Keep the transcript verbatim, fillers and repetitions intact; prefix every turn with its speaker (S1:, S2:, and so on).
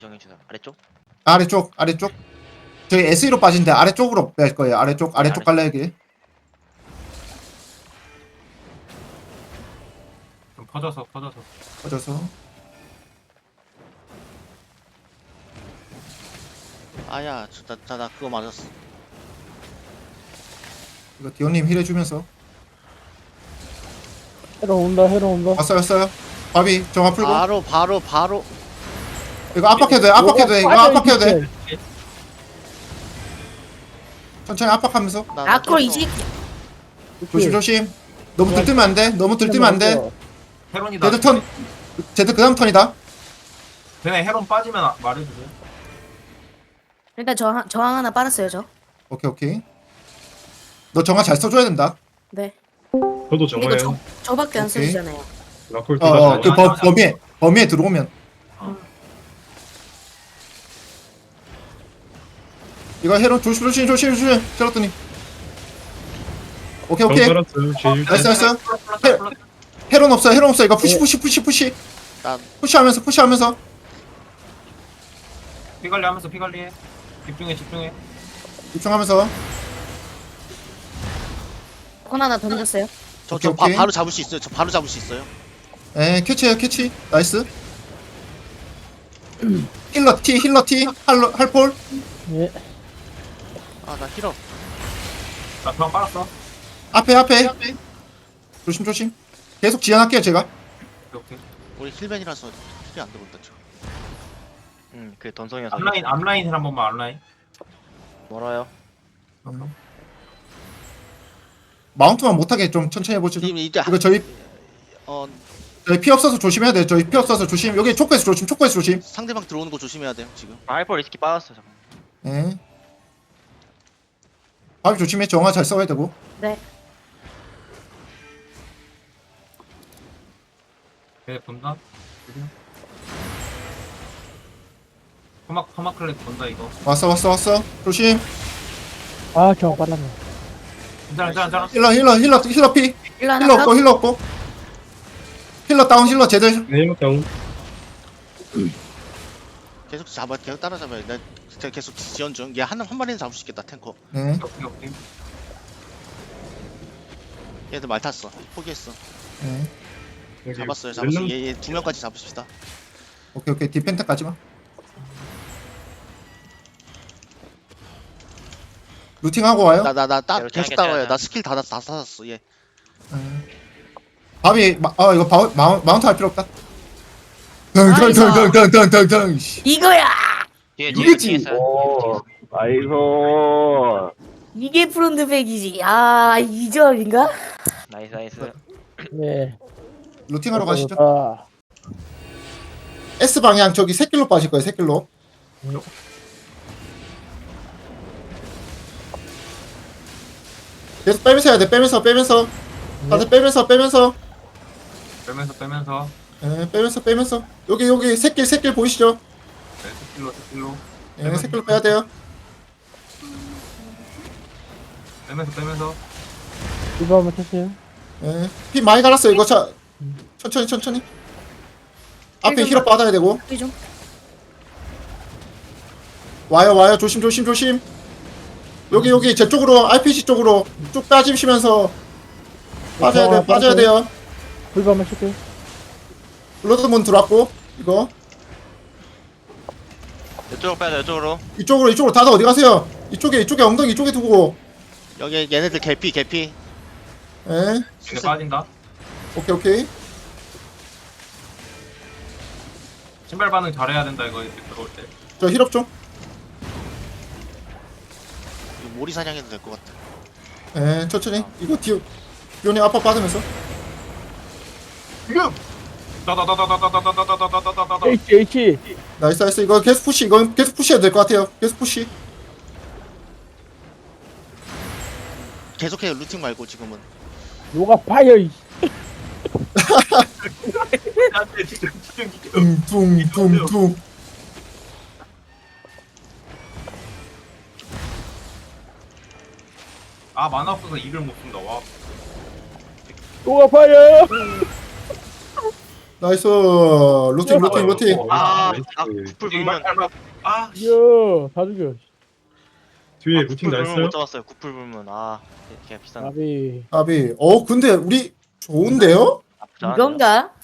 S1: 정해주세요. 아래쪽?
S2: 아래쪽 아래쪽 저희 에스이로 빠진데 아래쪽으로 뺄 거예요. 아래쪽 아래쪽
S1: 아래쪽.
S2: 갈라야기.
S3: 좀 퍼져서 퍼져서
S2: 꺼져서
S1: 아야, 나, 나, 나 그거 맞았어.
S2: 이거 디오님 힐 해주면서
S4: 헤로 온다 헤로 온다.
S2: 왔어요 왔어요. 바비 정화 풀고
S1: 바로, 바로, 바로.
S2: 이거 압박해도 돼 압박해도 돼 이거
S4: 빠져,
S2: 압박해도 돼.
S4: 이렇게.
S2: 천천히 압박하면서
S1: 나, 나
S5: 아콜
S1: 깼어.
S5: 이제
S2: 조심 조심. 너무 들뜨면 안 돼. 너무 들뜨면 안 돼.
S3: 헤론이다.
S2: 제드 턴 제드 그다음 턴이다.
S3: 걔네 헤론 빠지면 아- 말해주세요.
S5: 일단 저항 저항 하나 빨았어요 저.
S2: 오케이 오케이. 너 정화 잘 써줘야 된다.
S5: 네.
S6: 저도
S5: 이거
S6: 정화해요.
S5: 저 저밖에 안
S2: 오케이.
S5: 쓰시잖아요.
S6: 라콜
S2: 어, 어,
S6: 둘다
S2: 그 범, 범위에 범위에 들어오면. 이거 헤론 조심 조심 조심 조심. 샬롯더님. 오케이 오케이.
S6: 살았어요. 제일
S2: 나이스 나이스. 헤, 헤론 없어 헤론 없어. 이거 푸시 푸시 푸시 푸시.
S1: 난,
S2: 푸시하면서 푸시하면서.
S3: 피 관리하면서 피 관리해. 집중해 집중해.
S2: 집중하면서.
S5: 건 하나 던졌어요.
S1: 저,
S2: 오케이,
S1: 저 바,
S2: 오케이.
S1: 바로 잡을 수 있어요. 저 바로 잡을 수 있어요.
S2: 에 캐치해요 캐치. 나이스. 힐러 T 힐러 T 할로 할폴.
S4: 예.
S1: 아, 나 힐업.
S3: 나 그만 빨았어.
S2: 앞에 앞에. 조심 조심. 계속 지연할게요 제가.
S3: 오케이 오케이.
S1: 우리 힐맨이라서 힐이 안 들어온다, 저.
S7: 응, 그 던성이어서
S3: 앞라인 앞라인 힐 한 번만 앞라인.
S7: 멀어요.
S2: 음. 마운트만 못하게 좀 천천히 해보시죠.
S1: 지금 이제,
S2: 이거 저희
S1: 어,
S2: 저희 피 없어서 조심해야 돼. 저희 피 없어서 조심. 여기 초코에서 조심. 초코에서 조심.
S1: 상대방 들어오는 거 조심해야 돼요, 지금.
S7: 아, 하이퍼 리스키 빠졌어 잠깐.
S2: 예. 밥이 조심해. 정화 잘 써야 되고.
S5: 네.
S3: 걔네 본다. 퍼마 퍼마 클렉 본다 이거.
S2: 왔어 왔어 왔어. 조심.
S4: 아 저거 빨랐네.
S3: 괜찮아 괜찮아 괜찮아.
S2: 힐러 힐러 힐러 힐러 피.
S5: 힐러 하나
S2: 힐러 없고
S5: 컷.
S2: 힐러 없고. 힐러 다운 힐러 제들.
S6: 네이버 다운.
S1: 계속 잡아, 계속 따라잡아요. 나 진짜 계속 지연 중. 얘 한, 한 마리는 잡을 수 있겠다, 탱커.
S2: 네.
S3: 오케이 오케이.
S1: 얘들 말 탔어. 포기했어.
S2: 네.
S6: 여기
S1: 잡았어요, 잡았어요.
S6: 렐름-
S1: 얘, 얘 두 명까지 잡읍시다.
S2: 오케이 오케이. 디펜트까지만. 루팅하고 와요.
S1: 나, 나, 나, 따,
S7: 이렇게
S1: 계속
S7: 하겠다,
S1: 따라와요.
S7: 하자.
S1: 나 스킬 다, 다, 다 샀어, 얘.
S2: 네. 밥이 마, 어 이거 바, 마, 마운트 할 필요 없다.
S5: 나이스.
S2: 덩덩덩덩덩덩덩덩.
S5: 이거야.
S7: 뒤에 뒤에
S2: 이거지.
S7: 뒤에 있어요.
S8: 오, 아이고.
S5: 이게 프론트백이지. 아 이점인가?
S7: 나이스 나이스.
S4: 예.
S2: 루팅하러 가시죠.
S4: 아,
S2: S 방향 저기 새길로 빠질 거예요. 새길로. 계속 빼면서 해야 돼. 빼면서 빼면서. 다들 빼면서 빼면서.
S3: 빼면서 빼면서.
S2: 예, 빼면서 빼면서. 여기 여기 새길 새길 보이시죠?
S3: 네, 스킬로 스킬로.
S2: 예, 새길로 빼야 돼요.
S3: 빼면서 빼면서.
S4: 이거 한번 쳤어요.
S2: 예, 피 많이 갈았어요. 이거 차 천천히 천천히. 앞에 힐업 받아야 되고.
S5: 이 좀.
S2: 와요 와요. 조심 조심 조심. 여기 여기 제 쪽으로 알피지 쪽으로 쭉 빠지시면서 빠져야 돼요. 빠져야 돼요.
S4: 이거 한번 칠게요.
S2: 블러드문 들어왔고 이거
S7: 이쪽으로 빼야 돼 이쪽으로.
S2: 이쪽으로 이쪽으로 다들 어디 가세요? 이쪽에 이쪽에 엉덩이 이쪽에 두고.
S1: 여기 얘네들 개피, 개피.
S2: 예,
S3: 걔네 빠진다.
S2: 오케이 오케이.
S3: 신발 반응 잘해야 된다 이거 이렇게 들어올 때.
S2: 저 힐업 좀.
S1: 이거 모리 사냥해도 될 것 같아.
S2: 예, 천천히. 이거 디오 디오님 압박 받으면서.
S3: 지금. 다다다다다다다다다다다다다다.
S4: H H.
S2: 나이스 나이스. 이거 계속 푸시. 이거 계속 푸시해야 될 것 같아요. 계속 푸시.
S1: 계속해요, 루팅 말고 지금은.
S4: 요가 파이어. 이.
S3: 안돼 집중 집중 집중.
S2: 둥둥둥둥.
S3: 아 만화 없어서 이를 못 쓴다. 와.
S4: 요가 파이어.
S2: 나이스. 루팅 루팅 루팅.
S7: 아,
S6: 나이스.
S7: 아 구풀
S3: 이발
S7: 불면
S3: 밟아. 아,
S4: 이야 다 죽여
S6: 뒤에
S7: 아,
S6: 루팅
S7: 구풀 불면
S6: 나였어요?
S7: 못 잡았어요. 구풀 불면 아 걔 비싼
S4: 나비
S2: 아비. 어 근데 우리 좋은데요?
S7: 나쁘지 않아요.
S5: 이건가?